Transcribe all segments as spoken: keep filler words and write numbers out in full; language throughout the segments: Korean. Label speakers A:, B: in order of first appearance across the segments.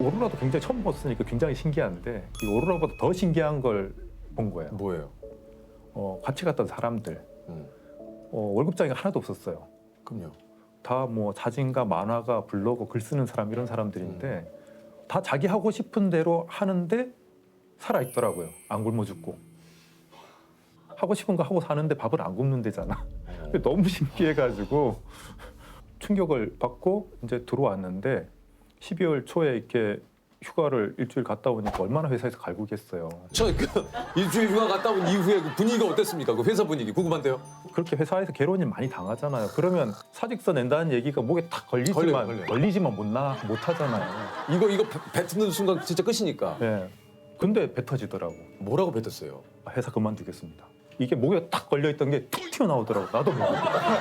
A: 오로라도 굉장히 처음 봤으니까 굉장히 신기한데 이 오로라보다 더 신기한 걸 본 거예요.
B: 뭐예요?
A: 어, 같이 갔던 사람들
B: 음.
A: 어, 월급장이 하나도 없었어요.
B: 그럼요.
A: 다 뭐 사진가, 만화가, 블로거, 글 쓰는 사람 이런 사람들인데 음. 다 자기 하고 싶은 대로 하는데 살아 있더라고요. 안 굶어 죽고. 하고 싶은 거 하고 사는데 밥을 안 굶는 데잖아. 너무 신기해가지고 충격을 받고 이제 들어왔는데 십이월 초에 이렇게 휴가를 일주일 갔다 오니까 얼마나 회사에서 갈구겠어요.
B: 저그 일주일 휴가 갔다 온 이후에 그 분위기가 어땠습니까? 그 회사 분위기 궁금한데요.
A: 그렇게 회사에서 괴로운 일 많이 당하잖아요. 그러면 사직서 낸다는 얘기가 목에 탁 걸리지만
B: 걸려요, 걸려요.
A: 걸리지만 못 나 못 하잖아요.
B: 이거 이거 배- 뱉는 순간 진짜 끝이니까.
A: 예. 근데 뱉어지더라고.
B: 뭐라고 뱉었어요?
A: 아, 회사 그만두겠습니다. 이게 목에 딱 걸려 있던 게 툭 튀어나오더라고. 나도 모르게.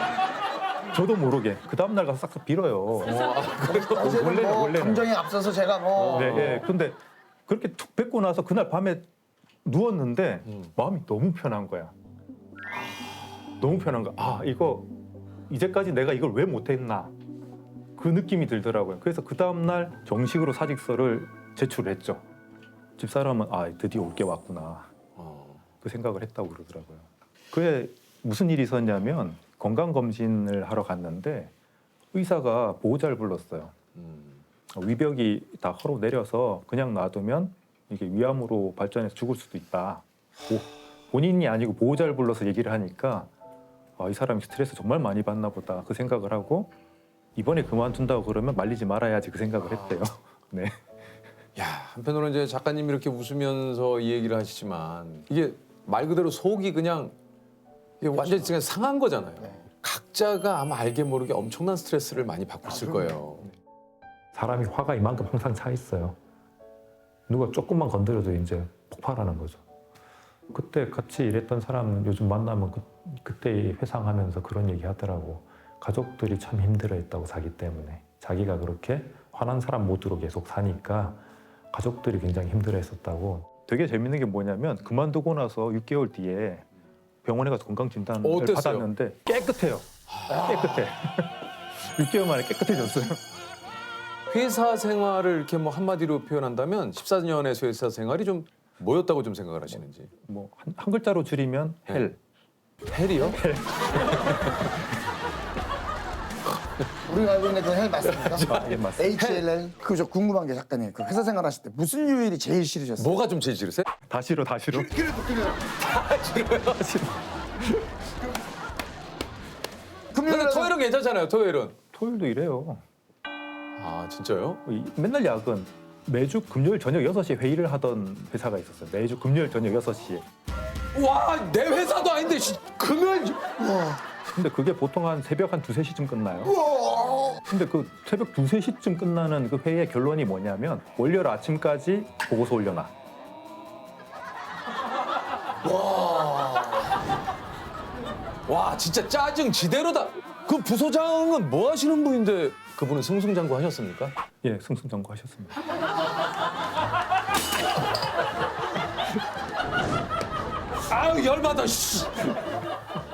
A: 저도 모르게. 그 다음 날 가서 싹싹 빌어요.
C: 사실은
A: 원래는,
C: 뭐
A: 원래는.
C: 감정에 앞서서 제가 뭐
A: 네, 예. 근데 그렇게 툭 뱉고 나서 그날 밤에 누웠는데
B: 음.
A: 마음이 너무 편한 거야. 너무 편한 거야. 아, 이거 이제까지 내가 이걸 왜 못했나. 그 느낌이 들더라고요. 그래서 그 다음 날 정식으로 사직서를 제출했죠. 집사람은 아, 드디어 올 게 왔구나.
B: 어.
A: 그 생각을 했다고 그러더라고요. 그에 무슨 일이 있었냐면 건강검진을 하러 갔는데 의사가 보호자를 불렀어요.
B: 음.
A: 위벽이 다 허로 내려서 그냥 놔두면 이게 위암으로 발전해서 죽을 수도 있다. 보, 본인이 아니고 보호자를 불러서 얘기를 하니까 아, 이 사람이 스트레스 정말 많이 받나 보다 그 생각을 하고 이번에 그만둔다고 그러면 말리지 말아야지 그 생각을 했대요. 네.
B: 야, 한편으로는 이제 작가님이 이렇게 웃으면서 이 얘기를 하시지만 이게 말 그대로 속이 그냥 이게 완전히 그냥 상한 거잖아요. 각자가 아마 알게 모르게 엄청난 스트레스를 많이 받고 있을 거예요.
A: 사람이 화가 이만큼 항상 차 있어요. 누가 조금만 건드려도 이제 폭발하는 거죠. 그때 같이 일했던 사람 요즘 만나면 그, 그때 회상하면서 그런 얘기 하더라고. 가족들이 참 힘들어했다고 자기 때문에. 자기가 그렇게 화난 사람 모드로 계속 사니까 가족들이 굉장히 힘들어했었다고. 되게 재밌는 게 뭐냐면 그만두고 나서 육 개월 뒤에 병원에 가서 건강진단을
B: 어땠어요?
A: 받았는데 깨끗해요. 깨끗해. 육 개월 만에 깨끗해졌어요.
B: 회사 생활을 이렇게 뭐 한마디로 표현한다면 십사 년의 회사 생활이 좀 뭐였다고 좀 생각을 하시는지.
A: 뭐 한, 한 글자로 줄이면 헬.
B: 헬이요?
C: 우리가 알고 있는 그 헬 맞습니까?
A: 아, 예, 맞습니다.
C: 에이치엘엘 그저 궁금한 게 작가님 그 회사 생활하실 때 무슨 요일이 제일 싫으셨어요?
B: 뭐가 좀 제일 싫으세요?
A: 다 싫어, 다 싫어.
C: 그래도 그래요.
A: 다 싫어.
C: 금요일에
B: 근데 토요일은 괜찮잖아요. 토요일은.
A: 토요일도 이래요.
B: 아 진짜요?
A: 이- 맨날 야근. 매주 금요일 저녁 여섯 시에 회의를 하던 회사가 있었어요. 매주 금요일 저녁 여섯 시에.
B: 와, 내 회사도 아닌데 씨, 금요일.
A: 근데 그게 보통 한 새벽 한 두세 시쯤 끝나요. 근데 그 새벽 두세 시쯤 끝나는 그 회의의 결론이 뭐냐면 월요일 아침까지 보고서 올려놔.
B: 와, 진짜 짜증 지대로다. 그 부소장은 뭐 하시는 분인데 그분은 승승장구 하셨습니까?
A: 예, 승승장구 하셨습니다.
B: 아유 열받아. 씨.